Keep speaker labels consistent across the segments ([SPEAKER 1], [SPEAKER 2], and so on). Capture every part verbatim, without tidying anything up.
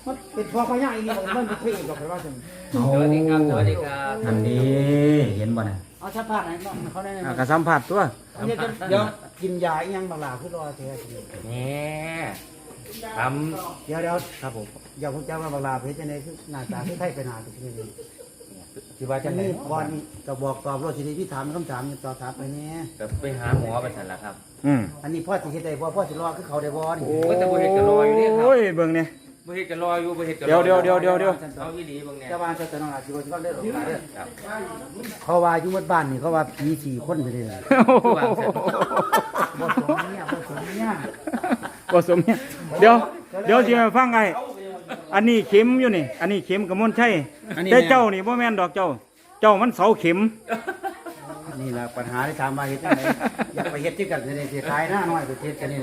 [SPEAKER 1] มันเป็นพอพญาอีนี่มันเป็นพระเอกดอกไปว่าจัง
[SPEAKER 2] สวัสดีครับสวัสดีครับ
[SPEAKER 3] อันนี้เห็นบ่น่ะ
[SPEAKER 1] เอาสัมภาษณ์ไหนบ้างเขาได้ไหม
[SPEAKER 3] อ่ะก็สัมผัสตัว
[SPEAKER 1] เดี๋ยวเดี๋ยวกินยาอีหยังบางหลาคือรอเท
[SPEAKER 2] นี่ท
[SPEAKER 1] เดี๋ยวเดี๋ยว
[SPEAKER 2] ำครับผม
[SPEAKER 1] อย่าพูดจ้าว่าบางหลาเพชรในคือหน้าตาคือไทยไปหน้าตัวนี้
[SPEAKER 2] คิดว่า
[SPEAKER 1] จั
[SPEAKER 2] จะ
[SPEAKER 1] ง
[SPEAKER 2] ไหน
[SPEAKER 1] นี้บอลนี่ก็บอกตอบรถทีนี้ที่ถามคำถามตอบถามไปเนี่ย
[SPEAKER 2] จะไปหาหมอไปสั่นละครับ
[SPEAKER 3] อืม
[SPEAKER 1] อันนี้พ่อสิเฮ็ดได้บ่พ่อสิรอคือเขาได้บ่นี่
[SPEAKER 2] โอ้ยแต่บ่เฮ็ดก็รออยู่เนี่ยครับ
[SPEAKER 3] โอ้ยเบิ่งเนี่ย
[SPEAKER 2] บ่เฮ็ดก็รออยู่บ่เฮ็ดก็รอ
[SPEAKER 3] เดี๋ยวเดี๋ยวเดี๋ยวเดี๋ยวเดี๋ยว
[SPEAKER 2] เอาอีหลีเบิ่งเนี่ย
[SPEAKER 1] เจ้าบ้านเจ้าตนองอาชีวะที่ว่าได้หรอกเด้อ
[SPEAKER 2] ครับ
[SPEAKER 1] เขาว่าอยู่หมดบ้านนี่เขาว่าผีสี่คนไปเลย
[SPEAKER 2] วางเสร็จ
[SPEAKER 1] บ่สมเนี่ยบ่สมเนี่ย
[SPEAKER 3] บ่สมเนี่ยเดี๋ยวเดี๋ยวสิมาฟังไอ้อันนี้เข็มอยู่นี่ อันนี้เข็มกระมวลชัยแต่เจ้านี่บ่แม่นดอกเจ้า เจ้ามันเสาเข็ม
[SPEAKER 1] นี่ล่ะปัญหาที่ถามมาเฮ็ดจังไดอยากไปเฮ็ดที่กันเลยสิขายหน้าน้อยไปเฮ็ดกันนี่เลย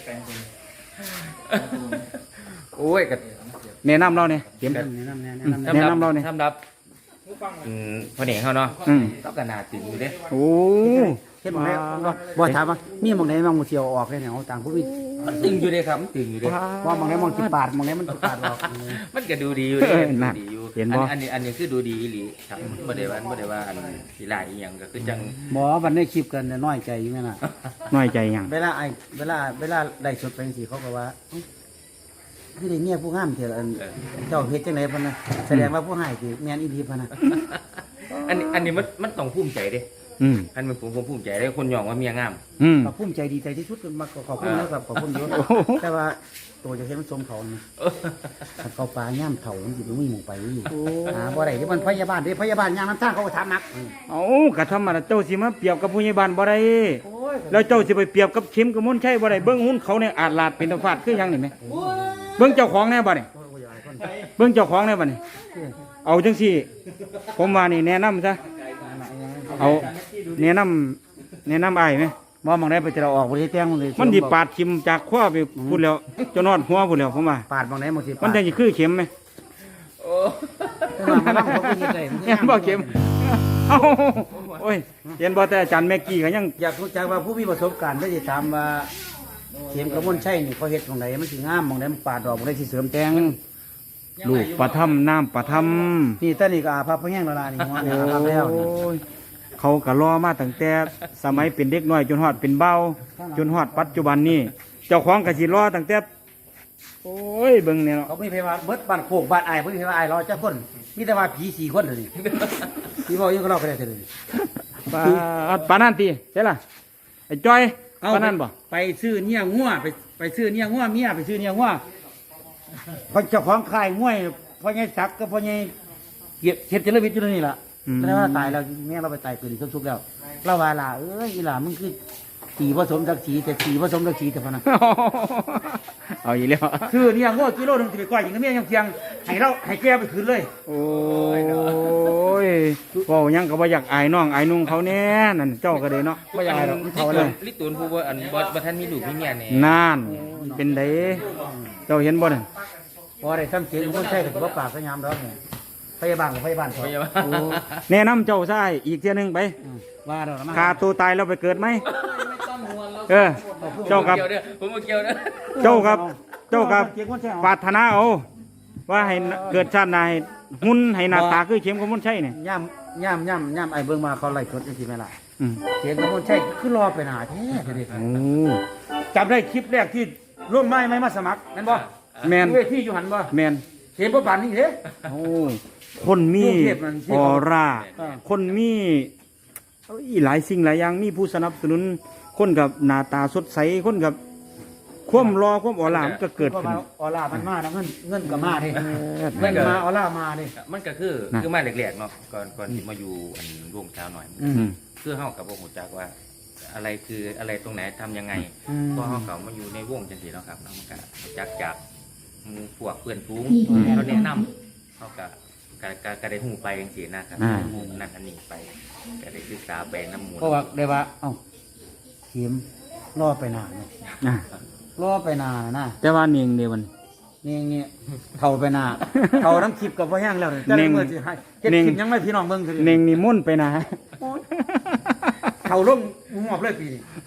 [SPEAKER 2] โอ้ยก็
[SPEAKER 3] แนะนำเราเนี่ยเข็ม
[SPEAKER 1] แนะนำแนะนำ
[SPEAKER 3] แนะนำเราเนี่ย
[SPEAKER 2] สำหรับอืมพ่อเด็กเขาเนาะ
[SPEAKER 3] อืม
[SPEAKER 2] เขาก็น่าตื่นอยู่เด้
[SPEAKER 3] โอ้
[SPEAKER 1] เฮ็ดหมองไหนบ่ถามว่ามีหมองไหนมั่งบ่เที่ยวออกเลยเนี่ยเอาต่างผู้มี
[SPEAKER 2] มันตึงอยู่เด้ครับมันตึงอยู่เด้
[SPEAKER 1] ว่าหมองไหนมองสิปาดหมองไหนมันสิปาดออก
[SPEAKER 2] มันก็ดูดีอยู่
[SPEAKER 3] เอ
[SPEAKER 2] เด้
[SPEAKER 3] อ
[SPEAKER 2] ดู
[SPEAKER 3] นั่น
[SPEAKER 2] ดีอยู่
[SPEAKER 3] เห็นบ่
[SPEAKER 2] อันนี้อันนี้คือดูดีอีหลีครับบ่ได้ว่าบ่ได้ว่าอันสิหลายอีหยังก็คือจัง
[SPEAKER 1] หมอวันได้คลิปกันน้อยใจอยู่แม่น่ะ
[SPEAKER 3] น้อยใจหยัง
[SPEAKER 1] เวลาไอ้เวลาเวลาได้สดไปสิเขาก็ว่าคือได้เมียผู้งามเถอะอันเจ้าเฮ็ดจังได๋พุ่นน่ะแสดงว่าผู้ให้สิแม่นอีหลีพุ่นน่ะ
[SPEAKER 2] อันนี้อันนี้มันมันต้องภูมิใจเด้
[SPEAKER 3] อืม
[SPEAKER 2] อันมันผมผมภูมิใจเด้คนยองว่าเมียงาม
[SPEAKER 3] อืม
[SPEAKER 1] ก็ภูมิใจดีใจที่สุดมาขอบคุณนะครับขอบคุณเยอะแต่ว่าตัวจะเห็นมันสมเขานี่เขาปลาย่ามเถ่ามันสิบ่มีหมู่ไปอยู่หาบ่ได้ที่มันพยาบาลเด้พยาบาลย่างน้ำทางเขาก็ถามมัก
[SPEAKER 3] เอากะธรรมดาเจ้าสิมาเปรียบกับผู้ใหญ่บ้านบ่ได้แล้วเจ้าสิไปเปรียบกับเข็มกระมวลชัยบ่ได้เบิ่งหุ้นเขาเนี่ยอาจลาดเป็นตะฟาดคือหยังนี่แหมเบิ่งเจ้าของแน่บ่นี่เบิ่งเจ้าของแน่บ่นี่เอาจังซี่ผมว่านี่แนะนำซะเอาแนะนำแนะนำอ้ายไหม
[SPEAKER 1] บ่มองได้ไปจะเราออกบ่ได้แต่งมันเลย
[SPEAKER 3] มันสิปาดขิมจากขวาไปพูดแล้วจนฮอดหัวพูดแล้วผมว่า
[SPEAKER 1] ปาดมองได้มองสิ
[SPEAKER 3] มันจังสิคือเข็มไหม
[SPEAKER 2] โอ้
[SPEAKER 1] มันเขาก็เฮ็ดได้
[SPEAKER 3] เห็นบ่เข็มเอ้าโอ้ยเห็นบ่แต่อาจารย์แม็กกี้ก็ยัง
[SPEAKER 1] อยากรู้จักว่าผู้มีประสบการณ์ได้สิถามว่าเข็มกระมวลชัยนี่เขาเฮ็ดตรงไหนมันสิงามมองได้มันปาดดอกบ่ได้สิเสริมแต่ง
[SPEAKER 3] ลูกประทับน้ำประทับ
[SPEAKER 1] นี่ตอนนี้ก็อาภัพพะแห้งแล้วล่ะนี่หัวเนี่ยอาภัพแล้วนี่
[SPEAKER 3] โอ้ยเขาก็รอมาตั้งแต่สมัยเป็นเด็กน้อยจนฮอดเป็นเบาจนฮอดปัจจุบันนี้เจ้าของก็สิรอตั้งแต่โอ้ยเบิ่งเนี่ยเนาะ
[SPEAKER 1] เขาไม่พว่าเบิดบ้านโคกบ้านอ้ายเพิ่นพว่าอ้ายรอจักคนมีแต่ว่าผีสี่คนเท่านี้พี่บอกยังก็รอไปได้เท่านี้
[SPEAKER 3] ปาปานนั่นตีใช่ล่ะไอ้จ้อย
[SPEAKER 1] เอา
[SPEAKER 3] ปานนั่นบ่
[SPEAKER 1] ไปซื้อเนี่ยงัวไปไปซื้อเนี่ยงัวเมียไปซื้อเนี่ยงัวเพราะเจ้าของขายงัวพ่อใหญ่ศักดิ์กับพ่อใหญ่เกียรติเฮ็ดเจริญวิทย์อยู่นี่ล่ะ
[SPEAKER 3] อืม
[SPEAKER 1] แสดงว่าตายแล้วแม่เราไปตายเกิดอีกทุกๆแล้วเราว่าล่ะเอ้ยอีหล่ามึงคือสีผสมจักสีแต่สีผสมจักสีแต่พะนะ
[SPEAKER 3] เอาอีกแล้ว
[SPEAKER 1] คือเนี่ยงัวกิโลหนึงสิไปก้อยอย่างกับเมียยังเพียงให้เราให้แกไปคืนเลย
[SPEAKER 3] โอ้ยเว้าหยังก็บ่อยากอายน้องอายนุ่งเขาแน่นั่นเจ้าก็เลยเนาะ
[SPEAKER 1] บ่อยากให้หรอกมัน
[SPEAKER 2] ลิ
[SPEAKER 1] เท่า
[SPEAKER 2] ตู
[SPEAKER 1] เล
[SPEAKER 2] น
[SPEAKER 1] ย
[SPEAKER 2] ลิตูนผู้ว่าอันบ่บ่ทันมีลูกมีเมียแน่
[SPEAKER 3] นานเป็นไดเจ้าเห็นบ่นั่น
[SPEAKER 1] พอได้ทำเสียงคนใช้กับบ่ปากก็ยามดอกเนี่ยพยาบาลกับพยาบาลพอ
[SPEAKER 2] ไม่ใช่ว่า
[SPEAKER 3] โอ้แนะนำเจ้าซะอ้ายอีกเที่ยหนึงไป
[SPEAKER 1] ว่าดอกนะ
[SPEAKER 3] ฆ่าตัวตายแล้วไปเกิดไหมเออ เจ้ากับ
[SPEAKER 2] เกี่ยวเด้อผมบ่เกี่ยวเด้อ
[SPEAKER 3] เจ้ากับ เจ้ากับ
[SPEAKER 1] เกี่ยวคนใช้
[SPEAKER 3] ปรารถนาเอาว่าให้เกิดชาติหน้าให้หุ่นให้หน้าตาคือเข็มกระมวลชัยเนี่ย
[SPEAKER 1] ย่ำย่ำย่ำย่ำไอ้เบิ่งมาเขาไล่สดจังซี่แม่ล่ะ
[SPEAKER 3] อืม
[SPEAKER 1] เสียงกับคนใช้คือรอไปหนาแท้เด้อ
[SPEAKER 3] โอ้
[SPEAKER 1] จำได้คลิปแรกที่ร่วมไม้ไม่มาสมัครนั่นบ่
[SPEAKER 3] แมน
[SPEAKER 1] เวทีอยู่หันบ่
[SPEAKER 3] แมน
[SPEAKER 1] เห็นบ่ปานนี้เด้
[SPEAKER 3] โอ้คนมี
[SPEAKER 1] กรุงเทพมันที่
[SPEAKER 3] อ
[SPEAKER 1] เขา
[SPEAKER 3] อร่า
[SPEAKER 1] อ่า
[SPEAKER 3] คนมีเอ้ยหลายสิ่งหลายอย่างมีผู้สนับสนุน คนกับหน้าตาสดใสคนกับความรอความออร่ามันก็เกิด
[SPEAKER 1] เพราะ
[SPEAKER 3] ขึ้น
[SPEAKER 1] ว่าออร่ามันมาแล้วเงินเงินก็มาเด้
[SPEAKER 3] อ
[SPEAKER 1] เงินมาออร่ามาเด้
[SPEAKER 2] มันก็คือ
[SPEAKER 3] น่ะ
[SPEAKER 2] คือมาแรกๆเนาะก่อนก่อนที่มาอยู่อันวงเช้าหน่อย
[SPEAKER 1] อื
[SPEAKER 3] อื
[SPEAKER 1] ม
[SPEAKER 3] ม
[SPEAKER 2] คือเฮากับบ่ฮู้จักว่า อะไรคืออะไรตรงไหนทำยังไง
[SPEAKER 1] อืม
[SPEAKER 2] พอเฮาเข้ามาอยู่ในวงจังซี่เนาะครับเนาะมันก็รู้จักจากหมู่พวกเพื่อนฝูงเขาแนะนำเขาก็ก็ก็ก็ได้ฮู้ไปจังซี่นะครับ
[SPEAKER 3] อ่า
[SPEAKER 2] ฮู้นั่นอันนี้ไปก็ได้ศึกษาไปน้ำมูล
[SPEAKER 1] เพราะว่าได้ว่าเอ้าเข็มรอไปนานเนาะ
[SPEAKER 3] อ่ะ
[SPEAKER 1] รอไปนานนะ
[SPEAKER 3] แต่ว่าเนียงเดียวมัน
[SPEAKER 1] นี่เงี้ยเท่าไปนานเท่าทั้งคลิปกับพ่อแห้งแล้วเนี่ยจะ
[SPEAKER 3] เน่
[SPEAKER 1] ได้
[SPEAKER 3] ง
[SPEAKER 1] เมื่อสิให้เก็บ
[SPEAKER 3] เน่ง
[SPEAKER 1] คลิปยังไม่พี่น้องเบิ่งเถอะ
[SPEAKER 3] เนียงนี่มุ่นไปนะ
[SPEAKER 1] เท่าลงงอบเลยปีนี้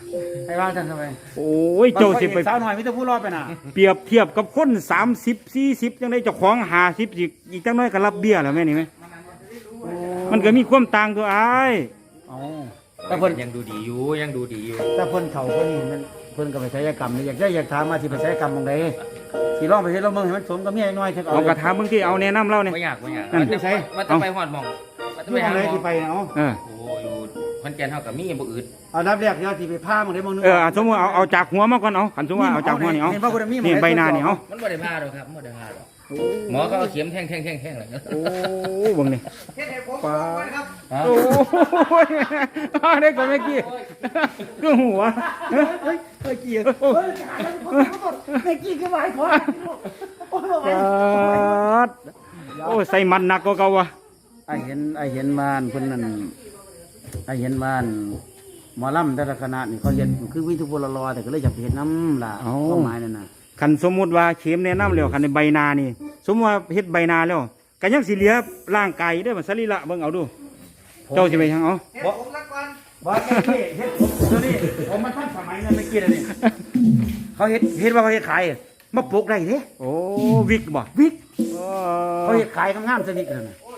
[SPEAKER 1] ให้วางท่านทำไม
[SPEAKER 3] โอ้ยเจ้าสิไป
[SPEAKER 1] สาวหน่อยมิตรผู้รอดไปน่ะ
[SPEAKER 3] เปรียบเทียบกับคนสามสิบสี่สิบจังได้เจ้าของห้าสิบอีกอีกจังน้อยก็รับเบี้ยแล้วแม่นี่ไหมมันก็มีความต่างตัวอ้าย
[SPEAKER 1] เอาแต่
[SPEAKER 2] แต่
[SPEAKER 1] เพิ่น
[SPEAKER 2] ยังดูดีอยู่ยังดูดีอยู่
[SPEAKER 1] แต่เพิ่นเขาเพิ่นนี่มันเพิ่นก็ไปศัลยกรรมนี่อยากได้อยากถามมาสิไปศัลยกรรมตรงใดสิลองไปเฮ็ดลองเบิ่งให้มันสมกับเมียน้อยเถอะ
[SPEAKER 3] เอากระถามเบิ่งที่เอาแนะนำเราเนี่ย
[SPEAKER 2] ไม่อยากไม่อยาก
[SPEAKER 3] นั่น
[SPEAKER 2] มันจะไปมันจะไปหอดหมองมันจะ
[SPEAKER 1] อยู่
[SPEAKER 2] ไป
[SPEAKER 1] ตร
[SPEAKER 2] หาง
[SPEAKER 1] ไหน
[SPEAKER 2] หมอง
[SPEAKER 1] สิไปเนาะ
[SPEAKER 3] เออ
[SPEAKER 2] โอ้อยู่คอนแก่นเท่ากับมีบ่อื่น
[SPEAKER 1] เอานับแรกเดี๋ยวสิไปพามึงได้มึงนึง
[SPEAKER 3] เออเอาสมมติเอาเอาจากหัวมาก่อนเอาขันสมมติว่าเอาจากหัวนี่เอา
[SPEAKER 1] เห็นว่าคุณมีหมอ
[SPEAKER 3] นี่ใบหน้านี่เอา
[SPEAKER 2] มันบ่ได้พาหรอกครับบ่ได้พาหรอกหมอก็เอาเข็มแทงแทงแทงแทงเลย
[SPEAKER 3] โอ้เบิ่งนี่
[SPEAKER 1] เฮ็ดให้ผม
[SPEAKER 3] ปลา
[SPEAKER 1] ครับ
[SPEAKER 3] โอ้ยเอาได้ก่อนเมื่อกี้ก็หัว
[SPEAKER 1] เฮ้ยเฮ้ยเฮ้ยเกียร์เฮ้ยเฮ้ยกี้คือหมายพอโอ้ย
[SPEAKER 3] ปาดโอ้ใส่มันหนักกว่าเก่าวะ
[SPEAKER 1] ไอเห็นไอเห็นมานเพิ่นนั่นไอเห็นมานหมอลำแต่ละคณะนี่เขาเห็นคือวิทุพลรอแต่ก็เลยอยากไปเห็นน้ำล่ะความหมายนั่นน่ะ
[SPEAKER 3] ขันสมมุติว่าเข็มแนะนำแล้วขันในใบหนานี่ สมมติว่าเฮ็ดใบหนาแล้วก็ยังสิเหลือร่างกายได้อมันสรีระเบิ่งเอาดู เจ้าสิไปทางเอา
[SPEAKER 1] เฮ็ดผมละก่อนบ่เฮ็ดนี่เฮ็ดผมตัวนี้ผมมันทันสมัยนั้นไม่กี่แล้วนี่เขาเฮ็ดเฮ็ดว่าเขาเฮ็ดขายมาปลูกได้เด้
[SPEAKER 3] โอ้วิกบ่
[SPEAKER 1] วิก
[SPEAKER 3] เอ
[SPEAKER 1] เขา
[SPEAKER 3] อ
[SPEAKER 1] เฮ็ดขายงามๆซะนี่กันน่ะ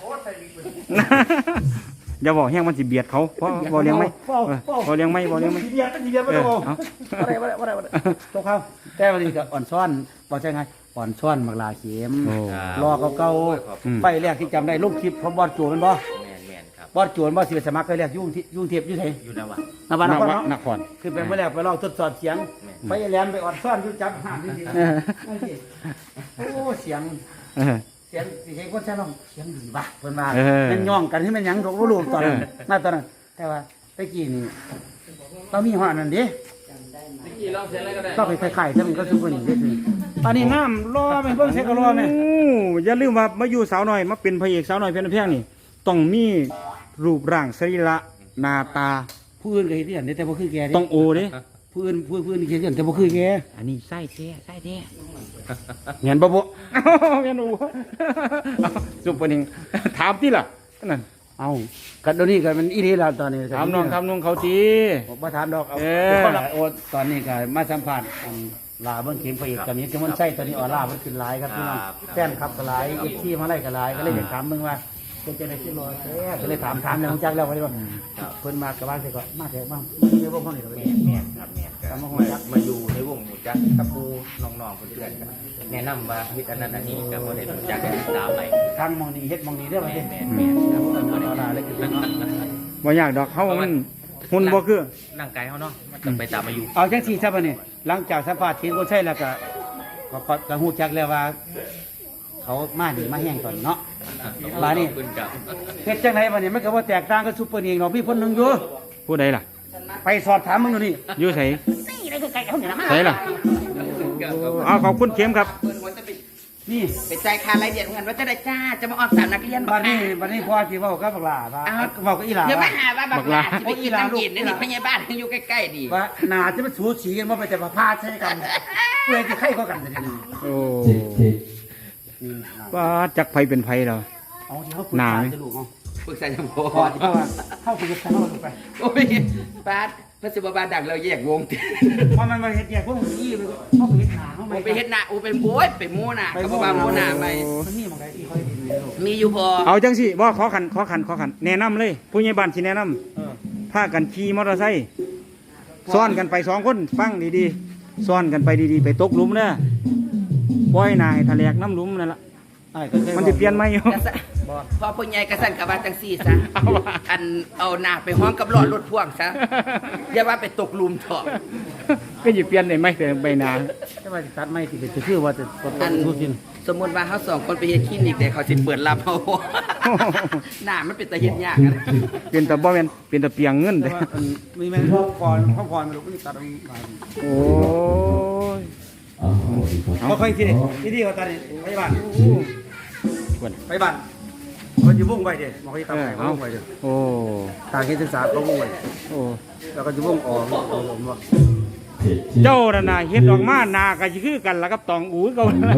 [SPEAKER 3] อย่าบอกแห้งมันสิเบียดเขาเพราะบ่เลี้ยงไหมเออบ่เลี้ยงไหมบ่เลี้ยงไหม
[SPEAKER 1] สิเบียดสิเบียดบ่
[SPEAKER 3] เอ
[SPEAKER 1] ต้
[SPEAKER 3] อ
[SPEAKER 1] อง
[SPEAKER 3] เอา
[SPEAKER 1] บ่ได้บ่ได้บ่ได้บ่ได้ตกเขาแต่วันนี้ก็อ่อนซ้อนบ่ใช่ไงอ่อนซ้อนมักลาเข็ม
[SPEAKER 3] โอ้
[SPEAKER 1] รอเก่า
[SPEAKER 3] อืม
[SPEAKER 1] ๆไฟแรกที่จำได้ลงคลิปของบอสโจแม่นบ่
[SPEAKER 2] แม่นแม่นครับ
[SPEAKER 1] บอสโจแม่นบ่สิไปสมัครไปแรกยุ่งที่ยุ่งเทียบอยู่ไส
[SPEAKER 2] อยู่นะวะ
[SPEAKER 1] นบ้านนคร
[SPEAKER 3] น
[SPEAKER 1] เนาะ
[SPEAKER 3] นคร
[SPEAKER 1] คือเป็นเมื่อแรกไปลองทดสอบเสียง ไปแหลมไปอ่อนซ้อนอยู่จับห้ามจริงๆ
[SPEAKER 3] เออ
[SPEAKER 1] โอ้เสียง
[SPEAKER 3] เออ
[SPEAKER 1] เสียงสิให้คนใช้ลองเสียงดีบ่ะเพิ่นว่า
[SPEAKER 3] เออ
[SPEAKER 1] มันย่องกันที่มันหยังดอกบ่รู้ตอนนั้น
[SPEAKER 3] เออ
[SPEAKER 1] น่าตอนนั้นแต่ว่าตะกี้นี่เรามีฮอดนั่นเด้เราไปไข่ๆซะมันก็ซุปเปอร์นี่เด้อตอนนี้น้ำรอแม่เบิ่งเซ็กก็รอแม่
[SPEAKER 3] โอ้อย่าลืมว่ามาอยู่สาวน้อยมาเป็นพระเอกสาวน้อยเพียงเพียงนี่ต้องมีรูปร่างสรีระหน้าตา
[SPEAKER 1] ผู้อื่นก็เฮ็ดอย่างนี้แต่บ่คือแกเด้
[SPEAKER 3] ต้องโอเด้
[SPEAKER 1] ผู้อื่นผู้ผู้อื่นเฮ็ดอย่างแต่บ่คือแก
[SPEAKER 3] อันนี้ไส้แท้ไส้แท้เห็นบ่บ่เห็นบ่ซุปเปอร์นิงถามที่ล่ะนั่น
[SPEAKER 1] เอ้าก็เดี๋ยวนี้ก็มันอีหลีแล้วตอนนี้
[SPEAKER 3] ถามน้องถามน้องเขาที
[SPEAKER 1] ผมบ่ถามดอกเอา
[SPEAKER 3] เออ
[SPEAKER 1] คนละโอ้ตอนนี้ก็มาสัมภาษณ์อันลาเบิ่งเข็มพระเอกกับนี้จังมันใช่ตอนนี้ออร่ามันขึ้นหลายครับพี่น้องแฟนคลับก็หลาย เอฟ ซี มาไล่ก็หลายก็เลยอยากถามมึงว่าเป็นจังได๋สิรอแท้ก็เลยถามถามแล้วรู้จักแล้วว่าได้บ่เพิ่นมากะว่าสิก็มาแท้บ้างเดี๋ยวบ่พ้องนี่ดอก
[SPEAKER 2] แม่
[SPEAKER 1] แม่
[SPEAKER 2] นแม่นครับแม่นครับมามาอยู่ในวงหมู่จักตะปูน้องๆเพื่อนๆกันแนะนำว่าเฮ็ดอันนั้นอันนี้ก็บ่ได้รู้จักได้ติดตามไป
[SPEAKER 1] ทางมองนี่เฮ็ดมองนี่เด้อว่า
[SPEAKER 2] แม่
[SPEAKER 1] สิ
[SPEAKER 2] นแม่นแม่นครับ
[SPEAKER 1] ออร่าเลยคือเนาะ
[SPEAKER 3] บ่ยากดอกเขามันหุ่นบ่คือ
[SPEAKER 2] ร่างกายเขาเนาะมันต้องไปตามอายุ
[SPEAKER 1] เอาจังซี่ซะบัดนี้หลังจากสัมภาษณ์เข็มคนใช่แล้วก็ก็ก็ก็ฮู้จักแล้วว่า เขามาดีมาแห้งตอนนี้เนาะ บาดนี้
[SPEAKER 2] ขอบคุณครับ
[SPEAKER 1] เฮ็ดจังไดบัดนี้มันก็บ่แตกต่างกับซุปเปอร์นิงเนาะพี่คนหนึงอยู่
[SPEAKER 3] ผู้ใดล่ะ
[SPEAKER 1] ไปสอบถามมึงดูนี่
[SPEAKER 3] อยู่ไส
[SPEAKER 1] นี่ได้คือไก่เขาเนี่ยนะมา
[SPEAKER 3] ไสล่ะเอาขอบคุณเข็มครับ
[SPEAKER 1] นี่
[SPEAKER 4] ไปจ่ายค่ารายเดือนเหมือนกันว่าจะได้จ้าจะมาออกสารนักเรียน
[SPEAKER 1] บัดนี้บัดนี้พ่อสิเว้ากับบักหลาว่าเว้ากับอีหลา
[SPEAKER 4] เดี๋ยวมา
[SPEAKER 1] ว่า
[SPEAKER 4] หาว่าบักหลาสิไปกินน้ำเย็นนี่นี่พยาบาลอยู่ใกล้ๆดี
[SPEAKER 1] ว่าหนาจะมันสูสีกันบ่ไปแต่ว่าพาใช่กันเพื่อที่ใครก็กันจะนี่
[SPEAKER 3] โอ้
[SPEAKER 1] นี่
[SPEAKER 3] ว่าจักไผเป็นไผแล้ว
[SPEAKER 1] เอาที่เขาปรึก
[SPEAKER 3] หนา
[SPEAKER 1] ษา
[SPEAKER 3] ไหม
[SPEAKER 1] จะลูกเอา
[SPEAKER 4] ปรึกษาจะพ
[SPEAKER 1] พอที่เขาว่าเข้าปรึกษาเขาไป
[SPEAKER 4] โอ้ยป้าพระสิบบาดังเราแยกวง
[SPEAKER 1] เพราะมันมาเฮ็ดแยกพวกมึงอี้เขาไปเฮ็ดหนาเขา
[SPEAKER 4] โอ้ไปเฮ็ดหน้าโอ้เป็นโบ้ยไปมูหน้าเขาบอกว่ามูหน้าไหม
[SPEAKER 1] มันมีหมองใดที่เขาเฮ็ดดีลูก
[SPEAKER 4] มีอยู่พอ
[SPEAKER 3] เอาจังสิบ่ขอขันขอขันขอขันแนะนำเลย ผู้ใหญ่บ้านสิแนะนำ
[SPEAKER 1] เออ
[SPEAKER 3] พากันขี่มอเตอร์ไซค์ซ้อนกันไปสองคนฟังดีๆซ้อนกันไปดีๆ ไปตกหลุมเด้อปล่อยหนายทะเลกน้ำหลุมนั่นล่ะ
[SPEAKER 1] ไอ้ก็เคย
[SPEAKER 3] มันสิเปลี่ยนไหมอยู่
[SPEAKER 4] กระสะพอพ่อใหญ่กระสันกับว่าจังซี่ซะ
[SPEAKER 3] เอาว่า
[SPEAKER 4] อันเอาหน้าไปห้องกับรอดรถพ่วงซะอย่าว่าไปตกหลุมเถอะ
[SPEAKER 3] ก็สิเปลี่ยนได้ไหมแต่ใบหนา
[SPEAKER 1] แต่ว่าสิตัดไม่สิเป็นคือว่าจะตด
[SPEAKER 4] อัน
[SPEAKER 1] ทุกสิ่ง
[SPEAKER 4] สมมุติว่าเขาสองคนไปเฮ็ดคลินิกแต่เขาสิเปิดรับเอา หน้ามันเป็นตาเฮ็ดยากอะ
[SPEAKER 3] เป็นแต่บ่แม่นเป็นแต่เปียงเงิน
[SPEAKER 1] แต่
[SPEAKER 3] เด้อ
[SPEAKER 1] ว่าอันมีแม่งพ่อพรพ่อพรมันลูกนี่ตัดเอามา
[SPEAKER 3] โอ้ย
[SPEAKER 1] บ่ค่อยสิที่นี่เขาตัดนี่ไปบ้าน
[SPEAKER 3] ควร
[SPEAKER 1] ไปบ้านคนอยู่วงไปเด้บ่ค่อย
[SPEAKER 3] เอ
[SPEAKER 1] ทำ
[SPEAKER 3] อ
[SPEAKER 1] ให้เขา
[SPEAKER 3] เอา
[SPEAKER 1] วงไปเด้
[SPEAKER 3] โอ้
[SPEAKER 1] ทางเฮ็ดศึกษาเขาวงไป
[SPEAKER 3] โอ้
[SPEAKER 1] แล้วก็อยู่วงออกออกผมว่า
[SPEAKER 3] เจ้าน่ะน่ะเฮ็ดออกมาหน้าก็สิคือกันล่ะกับตองอูเก่าน่ะ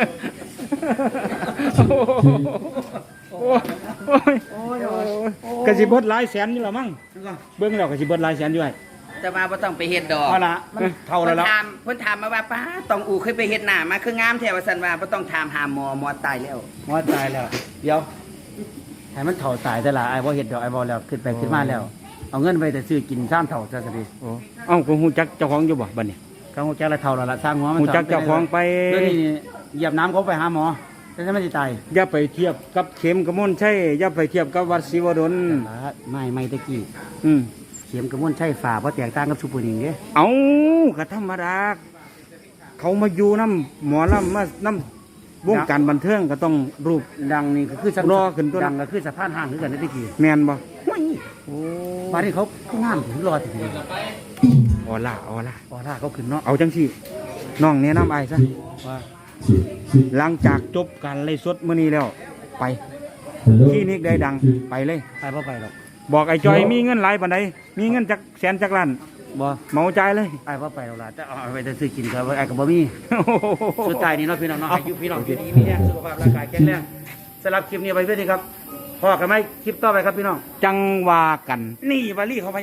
[SPEAKER 3] โอ้ยโอ้ยโอ้ยก็ก็สิเบิดหลายแสนอยู่ละมั้งเบิ่งแล้วก็สิเบิดหลายแสนอยู่ไอ้
[SPEAKER 4] แต่ว่าบ่ต้องไปเฮ็ดดอก
[SPEAKER 1] เอาละมันเท่าแล้ว
[SPEAKER 4] เพิ่น
[SPEAKER 1] ละ
[SPEAKER 4] ถามเพิ่นถามมาว่าป้าต้องอูเคยไปเฮ็ดหน้ามาคืองามแท้ว่าซั่นว่าบ่ต้องถามหาหมอหมอตายแล้ว
[SPEAKER 1] หมอตายแล้ว เดี๋ยวให้มันเท่าตายแต่ละไอ้บ่เฮ็ดดอกไอ้บ่แล้วขึ้นไปขึ้นมาแล้ว เอาเงินไปแต่ซื้อกินซ้ำเท่าซะสิ
[SPEAKER 3] โอ้เอ้าก็ฮู้จักเจ้าของอยู่บ่บัดนี้
[SPEAKER 1] ก็ฮู้จักละเท่าแล้วละสร้างหัวมัน
[SPEAKER 3] ฮู้จักเจ้าของไป
[SPEAKER 1] เดี๋ยวนี้เหยียบน้ำเขาไปหาหมอแต่ถ้าไม่ได้ตาย
[SPEAKER 3] อย่าไปเทียบกับเข็มกระมวลชัยอย่าไปเทียบกับวัดศิวดล
[SPEAKER 1] ไม่ไม่ตะกี้
[SPEAKER 3] อืม
[SPEAKER 1] เข็มกระมวลใช่ฝ่าเพราะแตกต่างกับชุปุนิงเด้
[SPEAKER 3] เอาก็ธรรมดาเขามาอยู่น้ำหมอลำมาน้ำวงการบันเทิงก็ต้องรูป
[SPEAKER 1] ดังนี่ก็คือ
[SPEAKER 3] รอขึ้นตัว
[SPEAKER 1] ดังก็คือสะพานห่างคือกันในตะกี้
[SPEAKER 3] แมนบ่
[SPEAKER 1] โอ้ป่านนี้เขางามถึงรอถึง
[SPEAKER 3] ออล่าออล่า
[SPEAKER 1] อ๋อถ้าเขาขึ้นเนาะ
[SPEAKER 3] เอาจังสิน้องแนะนำไอ้ายซะ
[SPEAKER 1] ว่า
[SPEAKER 3] หลังจากจบการไล่สดมื้อนี้แล้ว ไปคลินิกได้ดังไปเลย
[SPEAKER 1] ไปบ่ไปหรอก
[SPEAKER 3] บอกไอ้จอยมีเงินหลายปานใดมีเงินจักแสนจักล้าน
[SPEAKER 1] บ่
[SPEAKER 3] เหมาจ่ายเลย
[SPEAKER 1] ไปบ่ไปหรอกล่ะแต่เอาไปแต่ซื้อกินก็ไอ้ก็บ่มีสุดท้ายนี่เนาะพี่น้องเนาะอายุพี่น้องอยู่ดีมีแรงสุขภาพร่างกายแข็งแรงสำหรับคลิปนี้ไปเพื่อนดีครับพอกันไหมคลิปต่อไปครับพี่น้อง
[SPEAKER 3] จังว่ากัน
[SPEAKER 1] นี่วาลี่เขาไป